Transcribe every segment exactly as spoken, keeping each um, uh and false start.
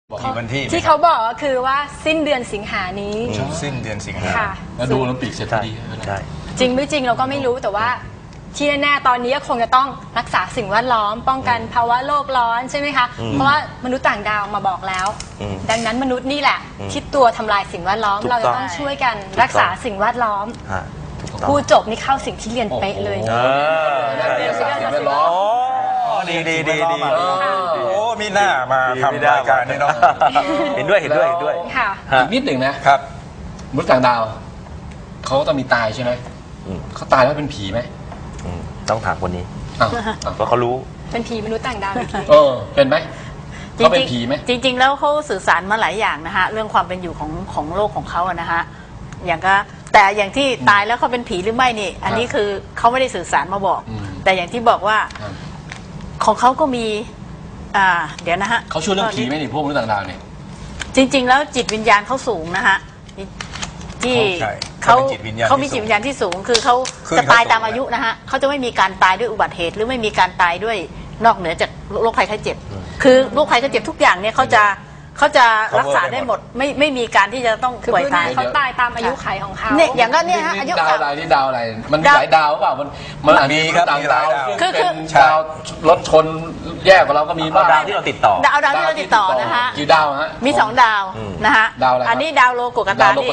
มีวันที่ที่เขาบอกก็คือว่าสิ้นเดือนสิงหานี้สิ้นเดือนสิงหาแล้วดูโอลิมปิกเสร็จพอดีใช่จริงไม่จริงเราก็ไม่รู้แต่ว่าที่แน่ๆตอนนี้ก็คงจะต้องรักษาสิ่งแวดล้อมป้องกันภาวะโลกร้อนใช่ไหมคะเพราะว่ามนุษย์ต่างดาวมาบอกแล้วดังนั้นมนุษย์นี่แหละที่ตัวทำลายสิ่งแวดล้อมเราจะต้องช่วยกันรักษาสิ่งแวดล้อมผู้จบนี่เข้าสิ่งที่เรียนเป๊ะเลยสิ่งแวดล้อมดีดีดีดีโอ้มีหน้ามาทำรายการนี่เนาะเห็นด้วยเห็นด้วยเห็นด้วยค่ะอีกนิดหนึ่งนะครับมนุษย์ต่างดาวเขาต้องมีตายใช่ไหมเขาตายแล้วเป็นผีไหมต้องถามคนนี้เพราะเขารู้เป็นผีมนุษย์ต่างดาวเออเป็นไหมเขาเป็นผีไหมจริงๆแล้วเขาสื่อสารมาหลายอย่างนะฮะเรื่องความเป็นอยู่ของของโลกของเขาอะนะฮะอย่างก็แต่อย่างที่ตายแล้วเขาเป็นผีหรือไม่นี่อันนี้คือเขาไม่ได้สื่อสารมาบอกแต่อย่างที่บอกว่าของเขาก็มีอ่าเดี๋ยวนะฮะเขาช่วยเรื่องผีไหมนี่พวกมนุษย์ต่างดาวเนี่ยจริงๆแล้วจิตวิญญาณเขาสูงนะฮะที่เขาเขามีจิตวิญญาณที่สูงคือเขาจะตายตามอายุนะฮะเขาจะไม่มีการตายด้วยอุบัติเหตุหรือไม่มีการตายด้วยนอกเหนือจากโรคภัยไข้เจ็บคือโรคภัยไข้เจ็บทุกอย่างเนี่ยเขาจะเขาจะรักษาได้หมดไม่ไม่มีการที่จะต้องป่วยตายเขาตายตามอายุขัยของเขาเนี่ยอย่างนั้นเนี่ยฮะอายุดาวอะไรนี่ดาวอะไรมันมีหลายดาวเปล่ามันมันอาจจะมีต่างดาวคือเป็นดาวรถชนแยกกับเราก็มีบ้างดาวที่เราติดต่อดาวดาวที่เราติดต่อนะฮะกี่ดาวฮะมีสองดาวนะฮะดาวอะไรอันนี้ดาวโลกุกตานี่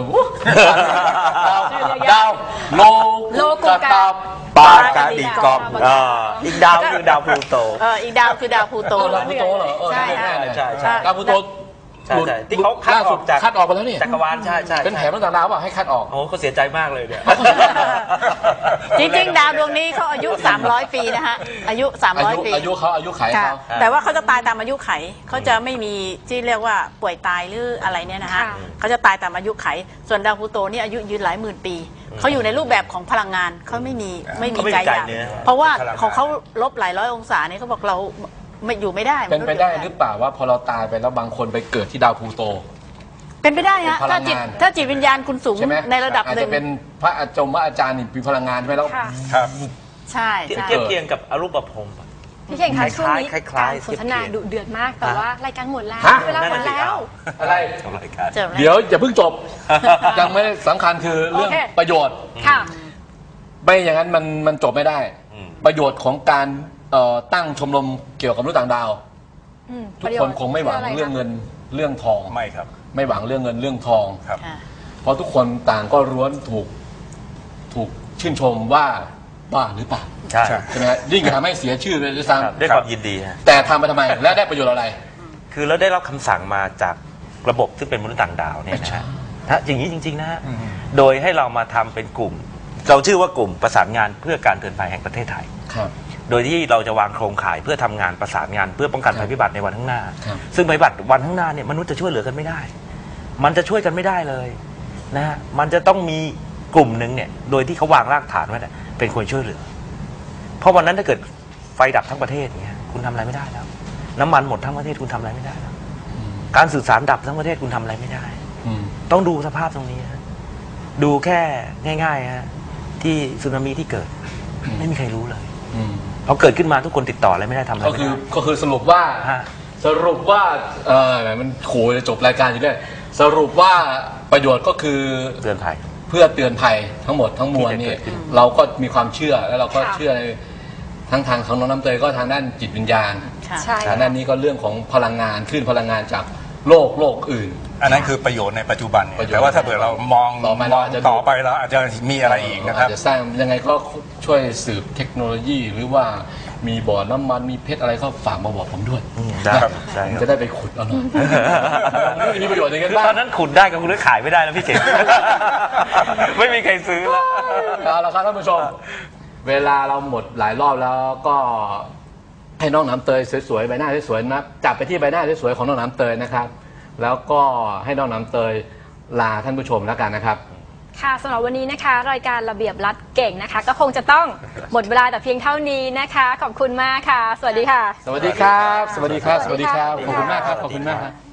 ดาวโลกุกตาปากาดิกอมอีกดาวคือดาวพลูโตเอออีกดาวคือดาวพลูโตดาวพลูโตเหรอใช่ใช่ใช่ดาวพลูโตที่เขาคัดออกจากคัดออกไปแล้วนี่จักรวาลใช่ใช่เป็นแผนต่างดาวป่ะให้คัดออกโอ้เขาเสียใจมากเลยเนี่ยจริงๆดาวดวงนี้เขาอายุสามร้อยปีนะฮะอายุสามร้อยปีอายุเขาอายุไขเขาแต่ว่าเขาจะตายตามอายุไขเขาจะไม่มีที่เรียกว่าป่วยตายหรืออะไรเนี่ยนะฮะเขาจะตายตามอายุไขส่วนดาวพลูโตนี่อายุยืนหลายหมื่นปีเขาอยู่ในรูปแบบของพลังงานเขาไม่มีไม่มีใจอยากเพราะว่าของเขาลบหลายร้อยองศาเนี่ยเขาบอกเราไม่อยู่ไม่ได้เป็นไปได้หรือเปล่าว่าพอเราตายไปแล้วบางคนไปเกิดที่ดาวพลูโตเป็นไปได้ฮะถ้าจิตถ้าจิตวิญญาณคุณสูงในระดับหนึ่งอาจจะเป็นพระอาจารย์พระอาจารย์นี่มีพลังงานใช่ไหมแล้วครับใช่เทียบเคียงกับอรูปภพพี่เก่งคะช่วงนี้การสนทนาดุเดือดมากแต่ว่ารายการหมดแล้วเวลาหมดแล้วอะไรเดี๋ยวอย่าเพิ่งจบยังไม่สำคัญคือเรื่องประโยชน์ไม่อย่างนั้นมันมันจบไม่ได้ประโยชน์ของการตั้งชมรมเกี่ยวกับมนุษย์ต่างดาวทุกคนคงไม่หวังเรื่องเงินเรื่องทองไม่ครับไม่หวังเรื่องเงินเรื่องทองครับเพราะทุกคนต่างก็ร้วนถูกถูกชื่นชมว่าบ้าหรือเปล่าใช่ใช่ไหมยิ่งทำให้เสียชื่อเลยด้วยซ้ำด้วยความยินดีแต่ทำไปทำไมและได้ประโยชน์อะไรคือเราได้รับคำสั่งมาจากระบบซึ่งเป็นมนุษย์ต่างดาวเนี่ยนะถ้าอย่างนี้จริงๆนะฮะโดยให้เรามาทำเป็นกลุ่มเราชื่อว่ากลุ่มประสานงานเพื่อการเตือนภัยแห่งประเทศไทยโดยที่เราจะวางโครงข่ายเพื่อทำงานประสานงานเพื่อป้องกันภัยพิบัติในวันข้างหน้าซึ่งภัยพิบัติวันข้างหน้าเนี่ยมนุษย์จะช่วยเหลือกันไม่ได้มันจะช่วยกันไม่ได้เลยนะฮะมันจะต้องมีกลุ่มหนึ่งเนี่ยโดยที่เขาวางรากฐานไว้เนี่ยเป็นคนช่วยเหลือเพราะวันนั้นถ้าเกิดไฟดับทั้งประเทศเนี่ยคุณทำอะไรไม่ได้แล้วน้ำมันหมดทั้งประเทศคุณทำอะไรไม่ได้แล้วการสื่อสารดับทั้งประเทศคุณทำอะไรไม่ได้ต้องดูสภาพตรงนี้ดูแค่ง่ายๆฮะที่สึนามิที่เกิดไม่มีใครรู้เลยพอเกิดขึ้นมาทุกคนติดต่ออะไรไม่ได้ทำอะไรก็คือก็คือสรุปว่าสรุปว่าเออมันโขจะจบรายการอยู่ด้วยสรุปว่าประโยชน์ก็คือเตือนภัยเพื่อเตือนภัยทั้งหมดทั้งมวลนี่เราก็มีความเชื่อแล้วเราก็เชื่อในทั้งทางของน้องน้ำเตยก็ทางด้านจิตวิญญาณทางด้านนี้ก็เรื่องของพลังงานคลื่นพลังงานจากโลกโลกอื่นอันนั้นคือประโยชน์ในปัจจุบันแต่ว่าถ้าเผื่อเรามองต่อไปแล้วอาจจะมีอะไรอีกนะครับจะสร้างยังไงก็ช่วยสืบเทคโนโลยีหรือว่ามีบ่อน้ำมันมีเพชรอะไรก็ฝากมาบอกผมด้วยจะได้ไปขุดเอาหน่อยมีประโยชน์อย่างนั้นบ้างตอนนั้นขุดได้กับคุณขายไม่ได้นะพี่เจ๋งไม่มีใครซื้อแล้วเอาละครับท่านผู้ชมเวลาเราหมดหลายรอบแล้วก็ให้น้องน้ำเตยสวยๆใบหน้าสวยๆนะจับไปที่ใบหน้าสวยๆของน้องน้ำเตยนะครับแล้วก็ให้น้องน้ำเตยลาท่านผู้ชมแล้วกันนะครับค่ะสำหรับวันนี้นะคะรายการระเบียบรัฐเก่งนะคะก็คงจะต้องหมดเวลาแต่เพียงเท่านี้นะคะขอบคุณมากค่ะสวัสดีค่ะสวัสดีครับสวัสดีครับสวัสดีครับขอบคุณมากครับขอบคุณมากครับ